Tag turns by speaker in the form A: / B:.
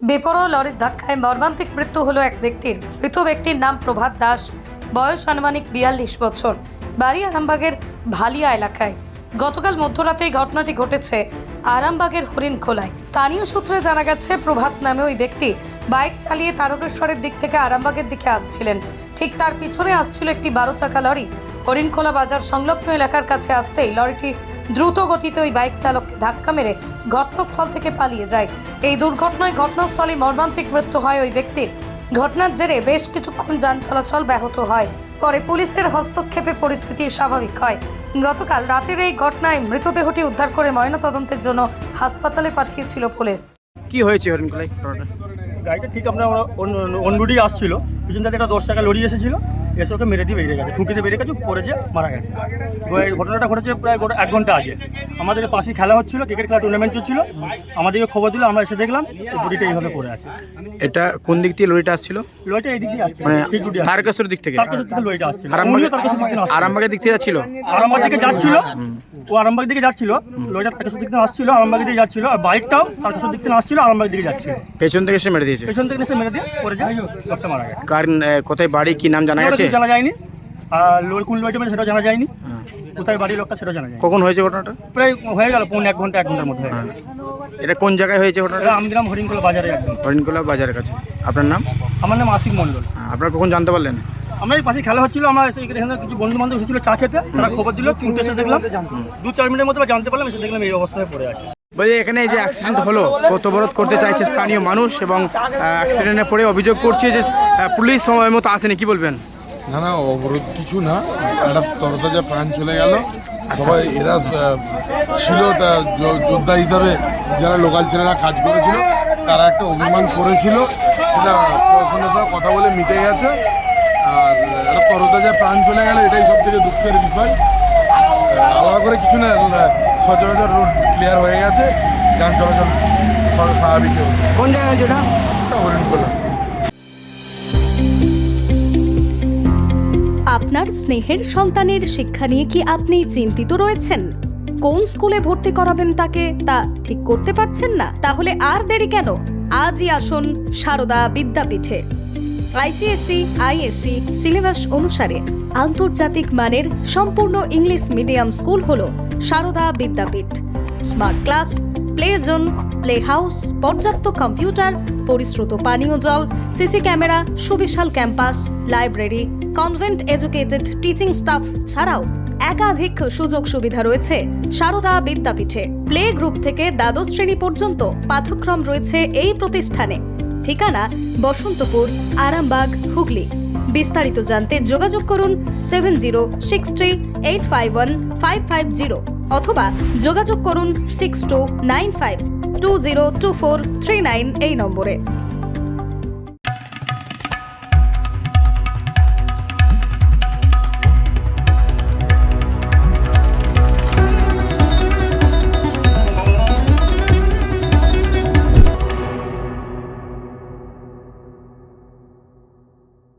A: বেপরোয়া লরির ধাক্কায় মর্মান্তিক মৃত্যু হলো এক ব্যক্তির। মৃত ব্যক্তির নাম প্রভাত দাস, বয়স আনুমানিক 42 বছর, বাড়ি আরামবাগের ভালিয়া এলাকায়। গতকাল মধ্যরাতে এই ঘটনাটি ঘটেছে আরামবাগের হরিণখোলায়। স্থানীয় সূত্রে জানা গেছে, প্রভাত নামে ওই ব্যক্তি বাইক চালিয়ে তারকেশ্বরের দিক থেকে আরামবাগের দিকে আসছিলেন। ঠিক তার পিছনে আসছিল একটি 12 চাকা লরি। হরিণখোলা বাজার সংলগ্ন এলাকার কাছে আসতেই লরিটি দ্রুত গতিতে ওই বাইক চালককে ধাক্কা মেরে ঘটনাস্থল থেকে পালিয়ে যায়। এই দুর্ঘটনায় ঘটনাস্থলে মর্মান্তিক মৃত্যু হয় ওই ব্যক্তির। ঘটনার জেরে বেশ কিছুক্ষণ যান চলাচল ব্যাহত হয়। পরে পুলিশের হস্তক্ষেপে পরিস্থিতি স্বাভাবিক হয়। গতকাল রাতের এই ঘটনায় মৃতদেহটি উদ্ধার করে ময়নাতদন্তের জন্য হাসপাতালে পাঠিয়েছিল পুলিশ।
B: কি হয়েছে হরিণখোলায়?
C: গাড়িটা ঠিক আমরা অন্যুডি আসছিল, পিছন থেকে একটা 10 টাকা লরি এসেছিল, এসে ওকে মেরে দিয়ে বেরিয়ে গেছে, ঠুকিতে বেরিয়ে গেছে, পরে যে মারা গেছে। এই ঘটনাটা ঘটেছে প্রায় 1 ঘন্টা আগে। আমাদের পাশে খেলা হচ্ছিল, ক্রিকেট খেলা টুর্নামেন্ট চলছিল, আমাদেরকে খবর দিল, আমরা এসে দেখলাম বডিটা এইভাবে পড়ে আছে।
B: এটা কোন দিক থেকে লরিটা আসছিল?
C: লরিটা এই দিক দিয়ে আসছে,
B: মানে
C: ঠিক রুটে আসছে।
B: তারকেশ্বর দিক থেকে?
C: তারকেশ্বর থেকে লরিটা আসছিল,
B: আরামবাগের দিক থেকে যাচ্ছিল?
C: আরামবাগ দিকে যাচ্ছিল, ও আরামবাগ দিকে যাচ্ছিল, লরিটা তারকেশ্বর দিক থেকে আসছিল, আরামবাগ দিকে যাচ্ছিল, আর বাইকটাও তারকেশ্বর দিক থেকে আসছিল, আরামবাগ দিকে যাচ্ছিল।
B: পেছন থেকে এসে মেরে দিয়েছে?
C: পেছন থেকে এসে মেরে দিয়ে পরে যে লোকটা মারা গেছে।
B: কারণ কোথায় বাড়ি, কি নাম জানা গেছে?
C: জানা যায়নি, আর লোক কোন লরিটা সেটা জানা যায়নি, কোথায় বাড়ির লোকটা সেটা জানা যায়।
B: কখন হয়েছে ঘটনাটা?
C: প্রায় হয়ে গেল 1 ঘন্টার মধ্যে হয়ে গেল।
B: এটা কোন জায়গায় হয়েছে ঘটনাটা?
C: এটা আমগ্রাম হরিণখোলা বাজারে একদম।
B: হরিণখোলা বাজারের কাছে। আপনার নাম?
C: আমার নাম আশিক মণ্ডল।
B: আপনারা কখন জানতে পারলেন?
C: আমরা এই পাশে খেলা হচ্ছিল, আমরা এখানে কিছু বন্ধু বান্ধব এসেছিল চা খেতে, তারা খবর দিল, 3টে এসে দেখলাম, 2-4 মিনিটের মধ্যে জানতে পারলাম, এসে দেখলাম এই অবস্থায় পড়ে আছে।
B: বলছি, এখানে যে অ্যাক্সিডেন্ট হলো, অবরোধ করতে চাইছে স্থানীয় মানুষ এবং অ্যাক্সিডেন্টে পড়ে অভিযোগ করছে যে পুলিশ সময় মতো আসেনি, কি বলবেন?
D: না না, অবরোধ কিছু না, একটা তরতাজা প্রাণ চলে গেল। সবাই এরা ছিল তা যোদ্ধা হিসাবে, যারা লোকাল ছেলেরা কাজ করেছিল, তারা একটা অভিমান করেছিল, সেটা প্রশাসনের সাথে কথা বলে মিটে গেছে। আর একটা তরতাজা প্রাণ চলে গেল, এটাই সব থেকে দুঃখের বিষয়। আলাদা করে কিছু না, সচরাচর রোড ক্লিয়ার হয়ে গেছে, যান চলাচল স্বাভাবিক হচ্ছে।
B: কোন জায়গায় যেটা?
D: হরিণখোলা।
E: আপনার স্নেহের সন্তানের শিক্ষা নিয়ে কি আপনি চিন্তিত রয়েছেন? কোন স্কুলে ভর্তি করাবেন তাকে তা ঠিক করতে পারছেন না? তাহলে আর দেরি কেন? আজই আসুন সারদা বিদ্যাপীঠে। আইসিএসসি আইএসসি সিলেবাস অনুসারে আন্তর্জাতিক মানের সম্পূর্ণ ইংলিশ মিডিয়াম স্কুল হলো Sarada Vidyapith. Smart class, play zone, play house, পর্যাপ্ত কম্পিউটার, পরিশ্রুত পানীয় জল, সিসি ক্যামেরা, সুবিশাল campus, library, convent educated teaching staff ছাড়াও একাধিক সুযোগ সুবিধা রয়েছে সারদা বিদ্যাপীঠে। প্লে গ্রুপ থেকে দ্বাদশ শ্রেণী পর্যন্ত পাঠ্যক্রম রয়েছে এই প্রতিষ্ঠানে। ঠিকানা বসন্তপুর, আরামবাগ, হুগলি। বিস্তারিত জানতে যোগাযোগ করুন 7063851550 অথবা যোগাযোগ করুন 6295202439 এই নম্বরে।